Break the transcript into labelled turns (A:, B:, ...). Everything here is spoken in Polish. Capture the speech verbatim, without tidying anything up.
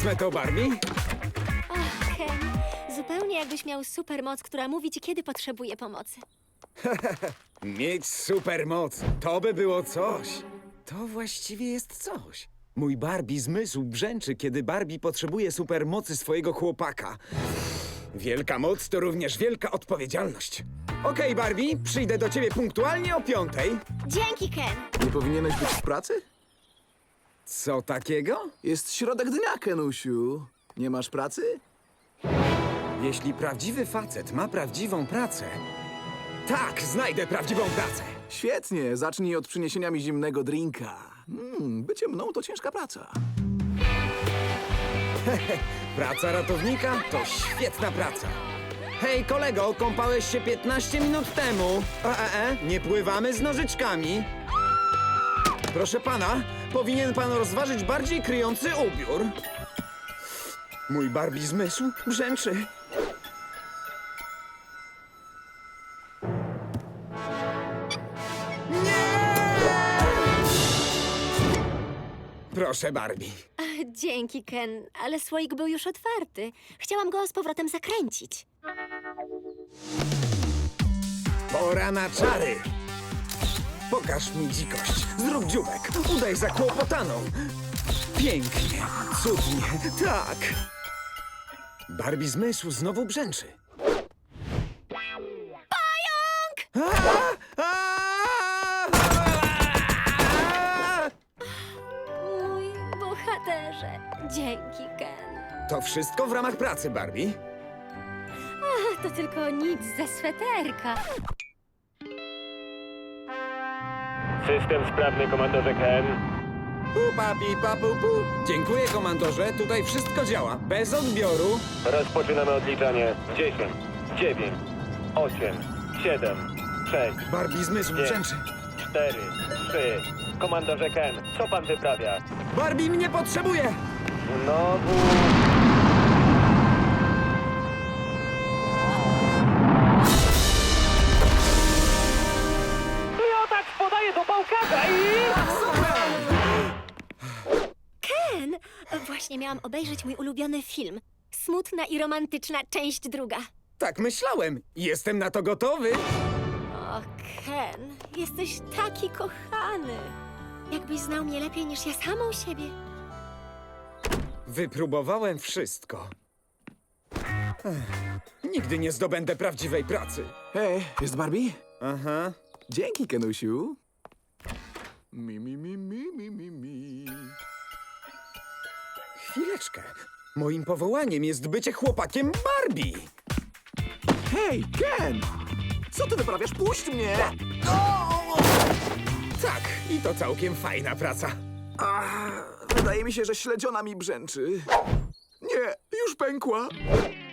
A: Wezmę to, Barbie.
B: Och, Ken, zupełnie jakbyś miał supermoc, która mówi ci, kiedy potrzebuje pomocy.
A: Mieć supermoc, to by było coś. To właściwie jest coś. Mój Barbie zmysł brzęczy, kiedy Barbie potrzebuje supermocy swojego chłopaka. Wielka moc to również wielka odpowiedzialność. Okej, Barbie, przyjdę do ciebie punktualnie o piątej.
B: Dzięki, Ken.
C: Nie powinieneś być w pracy?
A: Co takiego?
C: Jest środek dnia, Kenusiu. Nie masz pracy?
A: Jeśli prawdziwy facet ma prawdziwą pracę... Tak, znajdę prawdziwą pracę.
C: Świetnie, zacznij od przyniesienia mi zimnego drinka. Mm, bycie mną to ciężka praca.
A: Praca ratownika to świetna praca. Hej, kolego, kąpałeś się piętnaście minut temu. E, e, e, nie pływamy z nożyczkami. Proszę pana, powinien pan rozważyć bardziej kryjący ubiór. Mój Barbie zmysł brzęczy. Proszę, Barbie.
B: Dzięki, Ken, ale słoik był już otwarty. Chciałam go z powrotem zakręcić.
A: Pora na czary. Pokaż mi dzikość. Zrób dziubek. Udaj zakłopotaną. Pięknie, cudnie, tak. Barbie zmysł znowu brzęczy. Pająk! A! A!
B: Mój bohaterze. Dzięki, Ken.
A: To wszystko w ramach pracy, Barbie.
B: Ach, to tylko nic ze sweterka.
D: System sprawny, komandorze Ken.
A: Pupa, pipa, pu, pu. Dziękuję, komandorze. Tutaj wszystko działa. Bez odbioru.
D: Rozpoczynamy odliczanie. dziesięć, dziewięć, osiem, siedem, sześć,
A: Barbie zmysł
D: pięć,
A: brzęczy.
D: cztery, trzy. Komandorze Ken, co pan wyprawia?
A: Barbie mnie potrzebuje!
D: Znowu... Miotak podaje do pałkarza i...
B: Ken, właśnie miałam obejrzeć mój ulubiony film. Smutna i romantyczna część druga.
A: Tak myślałem. Jestem na to gotowy.
B: O, Ken, jesteś taki kochany. Jakbyś znał mnie lepiej niż ja samą siebie.
A: Wypróbowałem wszystko. Ech, nigdy nie zdobędę prawdziwej pracy.
C: Hej, jest Barbie?
A: Aha.
C: Dzięki, Kenusiu. Mi, mi, mi, mi, mi, mi, mi.
A: Chwileczkę. Moim powołaniem jest bycie chłopakiem Barbie.
C: Hej, Ken! Co ty wyprawiasz? Puść mnie!
A: Tak, i to całkiem fajna praca.
C: Ach, wydaje mi się, że śledziona mi brzęczy. Nie, już pękła.